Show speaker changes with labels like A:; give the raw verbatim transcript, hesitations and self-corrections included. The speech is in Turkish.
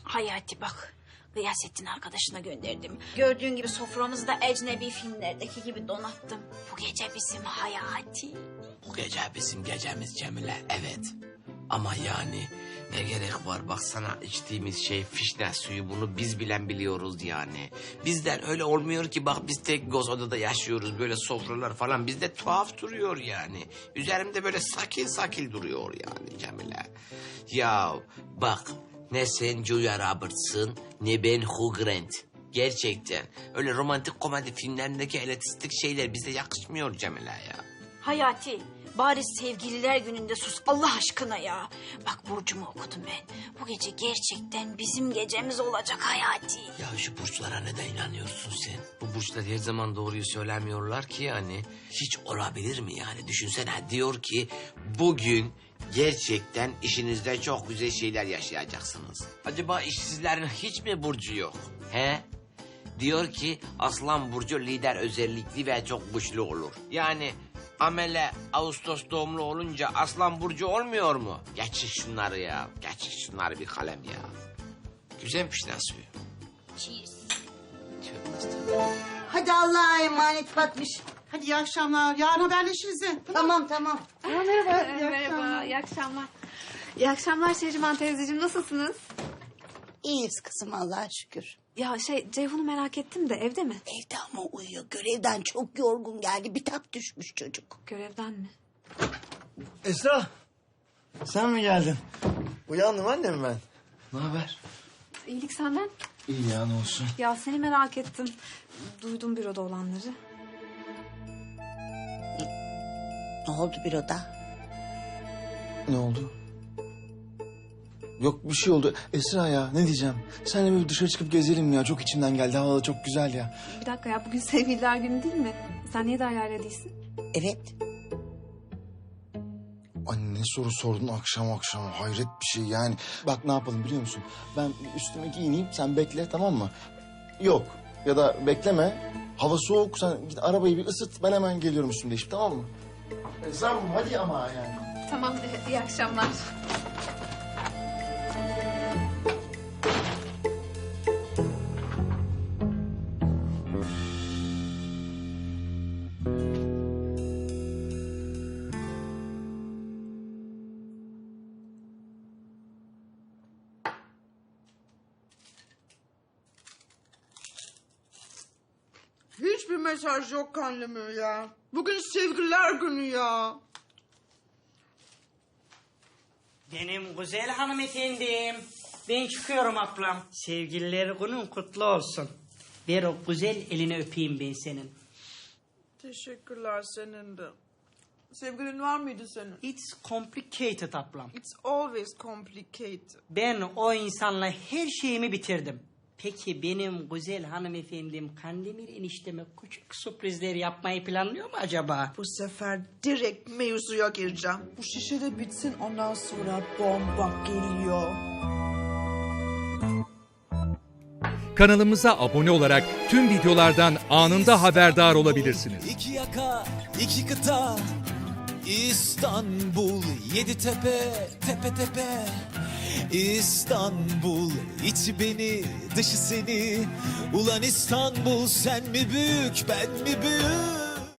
A: Hayati bak. Gıyasettin arkadaşına gönderdim. Gördüğün gibi soframızı da ecnebi filmlerdeki gibi donattım. Bu gece bizim Hayati.
B: Bu gece bizim gecemiz Cemile, evet. Ama yani ne gerek var, baksana içtiğimiz şey fişne suyu, bunu biz bilen biliyoruz yani. Bizden öyle olmuyor ki, bak biz tek göz odada yaşıyoruz, böyle sofralar falan bizde tuhaf duruyor yani. Üzerimde böyle sakil sakil duruyor yani Cemile. Ya bak, ne sen Julia Roberts'ın ne ben Hugh Grant. Gerçekten öyle romantik komedi filmlerindeki elitistik şeyler bize yakışmıyor Cemile ya.
A: Hayati, bari sevgililer gününde sus Allah aşkına ya. Bak burcumu okudum ben. Bu gece gerçekten bizim gecemiz olacak Hayati.
B: Ya şu burçlara neden inanıyorsun sen? Bu burçlar her zaman doğruyu söylemiyorlar ki yani. Hiç olabilir mi yani? Düşünsene, diyor ki bugün gerçekten işinizde çok güzel şeyler yaşayacaksınız. Acaba işsizlerin hiç mi burcu yok? He? Diyor ki Aslan burcu lider özellikli ve çok güçlü olur. Yani Amele Ağustos doğumlu olunca Aslan burcu olmuyor mu? Geçin şunları ya. Geçin şunları bir kalem ya. Güzelmiş lan suyu.
A: Cheers.
C: Hadi Allah'a emanet Fatmiş.
D: Hadi iyi akşamlar. Yarın haberleşiriz. he.
C: Tamam tamam.
E: Aa, merhaba. Merhaba. İyi akşamlar. İyi akşamlar Şehriman teyzeciğim. Nasılsınız?
C: İyiyiz kızım Allah'a şükür.
E: Ya şey Ceyhun'u merak ettim de evde mi?
C: Evde ama uyuyor. Görevden çok yorgun geldi. Bitap düşmüş çocuk.
E: Görevden mi?
F: Esra, sen mi geldin? Uyandım annem ben. Ne haber?
E: İyilik senden.
F: İyi ya, ne olsun.
E: Ya seni merak ettim. Duydum büroda olanları.
C: Ne oldu büroda?
F: Ne oldu? Yok bir şey oldu. Esra ya, ne diyeceğim? Seninle böyle dışarı çıkıp gezelim ya. Çok içimden geldi. Hava da çok güzel ya.
E: Bir dakika ya bugün sevgililer günü değil mi? Sen niye Derya'yla değilsin?
C: Evet.
F: Anne ne soru sordun akşam akşam. Hayret bir şey yani. Bak ne yapalım biliyor musun? Ben üstüme giyineyim, sen bekle, tamam mı? Yok ya da bekleme. Hava soğuk, sen git arabayı bir ısıt. Ben hemen geliyorum üstümde değişip, tamam mı? Esra'm hadi ama yani.
E: Tamam iyi akşamlar.
D: Hiçbir mesaj yok anneme ya. Bugün sevgililer günü ya.
G: Benim güzel hanımefendim. Ben çıkıyorum ablam. Sevgililer günün kutlu olsun. Ver o güzel elini öpeyim ben senin.
D: Teşekkürler senin de. Sevgilin var mıydı senin?
G: It's complicated ablam.
D: It's always complicated.
G: Ben o insanla her şeyimi bitirdim. Peki benim güzel hanımefendim Kandemir enişteme küçük sürprizler yapmayı planlıyor mu acaba?
D: Bu sefer direkt mevzuya gireceğim. Bu şişe de bitsin ondan sonra bomba geliyor.
H: Kanalımıza abone olarak tüm videolardan anında haberdar olabilirsiniz.
I: İki yaka, iki kıta, İstanbul, yedi tepe, tepe tepe. İstanbul, içi beni, dışı seni. Ulan İstanbul, sen mi büyük, ben mi büyük?